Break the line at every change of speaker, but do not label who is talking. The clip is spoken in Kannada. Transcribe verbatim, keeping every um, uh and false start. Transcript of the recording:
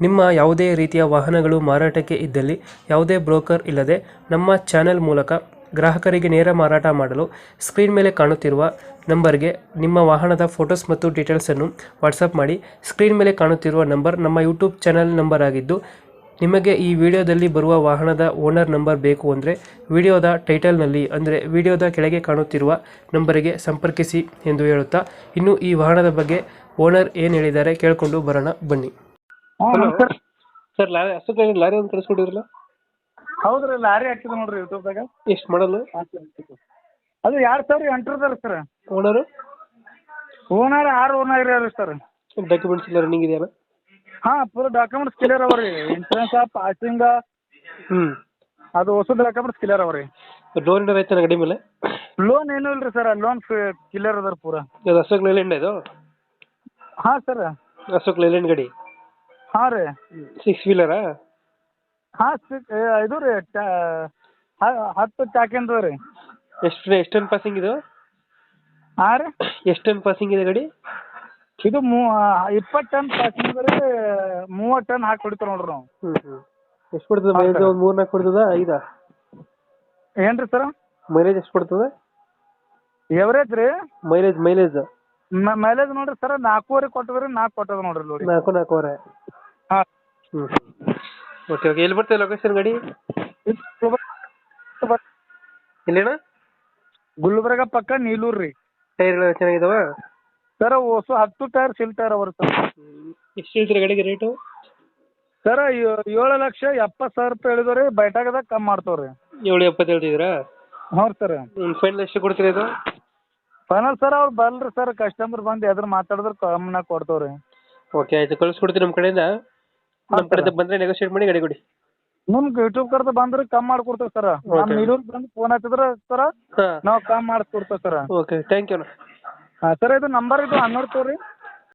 ನಿಮ್ಮ ಯಾವುದೇ ರೀತಿಯ ವಾಹನಗಳು ಮಾರಾಟಕ್ಕೆ ಇದ್ದಲ್ಲಿ ಯಾವುದೇ ಬ್ರೋಕರ್ ಇಲ್ಲದೆ ನಮ್ಮ ಚಾನೆಲ್ ಮೂಲಕ ಗ್ರಾಹಕರಿಗೆ ನೇರ ಮಾರಾಟ ಮಾಡಲು ಸ್ಕ್ರೀನ್ ಮೇಲೆ ಕಾಣುತ್ತಿರುವ ನಂಬರ್ಗೆ ನಿಮ್ಮ ವಾಹನದ ಫೋಟೋಸ್ ಮತ್ತು ಡೀಟೇಲ್ಸನ್ನು ವಾಟ್ಸಪ್ ಮಾಡಿ. ಸ್ಕ್ರೀನ್ ಮೇಲೆ ಕಾಣುತ್ತಿರುವ ನಂಬರ್ ನಮ್ಮ ಯೂಟ್ಯೂಬ್ ಚಾನೆಲ್ ನಂಬರ್ ಆಗಿದ್ದು, ನಿಮಗೆ ಈ ವಿಡಿಯೋದಲ್ಲಿ ಬರುವ ವಾಹನದ ಓನರ್ ನಂಬರ್ ಬೇಕು ಅಂದರೆ ವಿಡಿಯೋದ ಟೈಟಲ್ನಲ್ಲಿ ಅಂದರೆ ವಿಡಿಯೋದ ಕೆಳಗೆ ಕಾಣುತ್ತಿರುವ ನಂಬರಿಗೆ ಸಂಪರ್ಕಿಸಿ ಎಂದು ಹೇಳುತ್ತಾ, ಇನ್ನು ಈ ವಾಹನದ ಬಗ್ಗೆ ಓನರ್ ಏನು ಹೇಳಿದ್ದಾರೆ ಕೇಳಿಕೊಂಡು ಬರೋಣ ಬನ್ನಿ.
ಹ್ಞೂ ಸರ್.
ಸರ್ ಲಾರಿ ಅಷ್ಟೊತ್ತ ಲಾರಿ ಒಂದು ಕಳಿಸ್ಕೊಟ್ಟಿದ್ರಲ್ಲ,
ಹೌದ್ರಿ, ಲಾರಿ ಹಾಕಿದ್ ನೋಡ್ರಿ ಯೂಟ್ಯೂಬ್ದಾಗ.
ಎಷ್ಟು ಮಾಡಲು?
ಅದು ಎರಡು ಸಾವಿರ ಎಂಟರದಾರ ಸರ್.
ಓನರು
ಓನರ್ ಆರು ಓನರ್ ರೀ ಸರ್.
ಡಾಕ್ಯುಮೆಂಟ್ಸ್ ಎಲ್ಲ ರನ್ನಿಂಗ್ ಇದೆಯಲ್ಲ?
ಹಾಂ, ಫುಲ್ ಡಾಕ್ಯುಮೆಂಟ್ಸ್ ಕ್ಲಿಯರ್ ಅವ ರೀ. ಇನ್ಸೂರೆನ್ಸ್ ಪಾಸಿಂಗ
ಹ್ಞೂ
ಅದು ಹೊಸ ಡಾಕ್ಯುಮೆಂಟ್ಸ್ ಕ್ಲಿಯರ್ ಅವ ರೀ.
ಲೋನ್ ಏನಾರು ಐತೆ ಗಾಡಿ ಮೇಲೆ?
ಲೋನ್ ಏನೂ ಇಲ್ಲ ರೀ ಸರ್. ಲೋನ್ ಕ್ಲಿಯರ್ ಅದ ಪೂರ.
ಅದು ಅಶೋಕ್ ಲೈಲ್ಯಾಂಡ್ ಇದು?
ಹಾಂ ಸರ್.
ಅಶೋಕ್ ಲೈಲ್ಯಾಂಡ್ ಗಾಡಿ?
ಹಾಂ ರೀ.
ಸಿಕ್ಸ್ ವೀಲರಾ?
ಹಾಂ ಸಿಕ್ ಇದು ರೀ, ಹತ್ತು ಚಾಕಿಂದು ರೀ.
ಎಷ್ಟು ಎಷ್ಟು ಟನ್ ಪಾಸಿಂಗ್ ಇದು?
ಹಾಂ ರೀ.
ಎಷ್ಟು ಟನ್ ಪಾಸಿಂಗ್ ಇದೆ ಗಾಡಿ?
ಇದು ಮೂ ಇಪ್ಪತ್ತು ಟನ್ ಪಾಸಿಂಗ್ ರೀ. ಮೂವತ್ತು ಟನ್ ಹಾಕಿ ಹೊಡಿತೀವಿ ನೋಡ್ರಿ ನಾವು.
ಹ್ಞೂ ಹ್ಞೂ ಎಷ್ಟು ಕೊಡ್ತದೆ ಮೈಲೇಜ್? ಒಂದು ಮೂರು ನಾಲ್ಕು ಕೊಡ್ತದ? ಐದಾ?
ಏನು ರೀ ಸರ್?
ಮೈಲೇಜ್ ಎಷ್ಟು ಕೊಡ್ತದೆ?
ಎವರೇಜ್ ರೀ?
ಮೈಲೇಜ್ ಮೈಲೇಜ್
ಮೈಲೇಜ್ ನೋಡ್ರಿ ಸರ್, ನಾಲ್ಕೂವರೆ ಕೊಟ್ಟದ್ರಿ. ನಾಲ್ಕು ಕೊಟ್ಟದ ನೋಡ್ರಿ ನೋಡಿ.
ನಾಲ್ಕು ನಾಲ್ಕೂವರೆ.
ಹಾಂ.
ಹ್ಞೂ ಓಕೆ ಓಕೆ. ಎಲ್ಲಿ ಬರ್ತದೆ ಲೊಕೇಶನ್ ಗಾಡಿ? ಎಲ್ಲಿಣ್ಣ?
ಗುಲ್ಬರ್ಗ ಪಕ್ಕ ನೀಲೂರು ರೀ.
ಟೈರ್ಗಳು ಚೆನ್ನಾಗಿದಾವ
ಸರ್? ಹೊಸ ಹತ್ತು ಟೈರ್ ಸಿಲ್ ಟೈರ್ ಅವರು ಸರ್.
ಎಷ್ಟು ಹೇಳ್ತೀರಾ ಗಾಡಿಗೆ ರೇಟು?
ಸರ್ ಏಳು ಲಕ್ಷ ಎಪ್ಪತ್ತು ಸಾವಿರ ರೂಪಾಯಿ ಹೇಳಿದ್ರಿ. ಬೈಟಾಗದಾಗ ಕಮ್ಮಿ ಮಾಡ್ತಾವ್ರಿ.
ಏಳು ಎಪ್ಪತ್ತು ಹೇಳ್ತಿದ್ದೀರಾ?
ಹ್ಞೂ ಸರ್.
ಫೈನಲ್ ಎಷ್ಟು ಕೊಡ್ತೀರಾ ಇದು?
ಫೈನಲ್ ಸರ್ ಅವ್ರು ಬಲ್ರಿ ಸರ್, ಕಸ್ಟಮರ್ ಬಂದು ಎದ್ರ ಮಾತಾಡಿದ್ರೆ ಕಮ್ಮಿನಾಗ ಕೊಡ್ತಾವ್ರಿ.
ಓಕೆ ಆಯ್ತು, ಕಳಿಸ್ಕೊಡ್ತೀನಿ ನಮ್ಮ ಕಡೆಯಿಂದ. ನಮ್ಮ ಕಡೆಯಿಂದ ಬಂದರೆ ನೆಗೋಷಿಯೇಟ್ ಮಾಡಿ ಗಾಡಿ ಕೊಡಿ.
ನಿಮ್ಗೆ ಯೂಟ್ಯೂಬ್ ಕರ್ದು ಬಂದ್ರೆ ಕಮ್ಮಿ ಮಾಡ್ಕೊಡ್ತೇವೆ ಸರ್. ನಮ್ಮ ನೀಲೂರು ಬಂದು ಫೋನ್ ಹಚ್ಚಿದ್ರೆ ಸರ್
ಹಾಂ
ನಾವು ಕಮ್ಮಿ ಮಾಡಿಸ್ಕೊಡ್ತೇವೆ ಸರ್.
Okay thank you.
ಹಾಂ ಸರ್, ಇದು ನಂಬರ್ ಇದು ಹನ್ನೊಂದು ತೋರಿ.